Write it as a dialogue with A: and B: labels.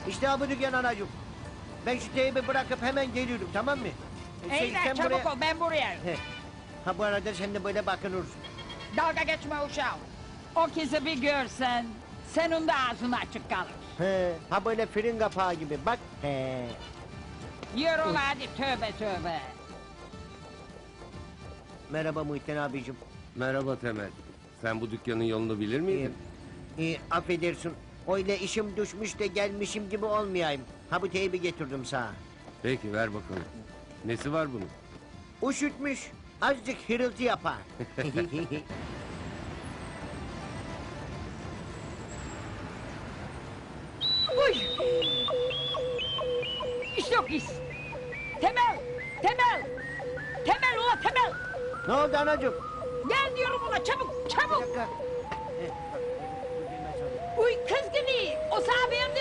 A: İşte ha bu dükkan anacığım. Ben şu teybi bırakıp hemen geliyorum, tamam mı?
B: İyi de çabuk ol, ben buraya.
A: He. Ha bu arada sen de böyle bakınırsın.
B: Dalga geçme uşağım. O kızı bir görsen, senin de ağzın açık kalır.
A: He. Ha böyle fırın kapağı gibi bak. He.
B: Yürü ula hadi, tövbe tövbe.
A: Merhaba Muhittin abicim.
C: Merhaba Temel. Sen bu dükkanın yolunu bilir miydin?
A: Affedersin. Öyle işim düşmüş de gelmişim gibi olmayayım. Ha bu teybi getirdim sana.
C: Peki ver bakalım. Nesi var bunun?
A: Üşütmüş. Azıcık hırıltı yapar.
B: Uy! İşte o pis. Temel, Temel. Temel ula Temel.
A: Ne oldu anacığım?
B: Gel diyorum ula, çabuk,
A: Bir
B: çabuk.
A: dakika.
B: Uy kız gibi, o sahabeye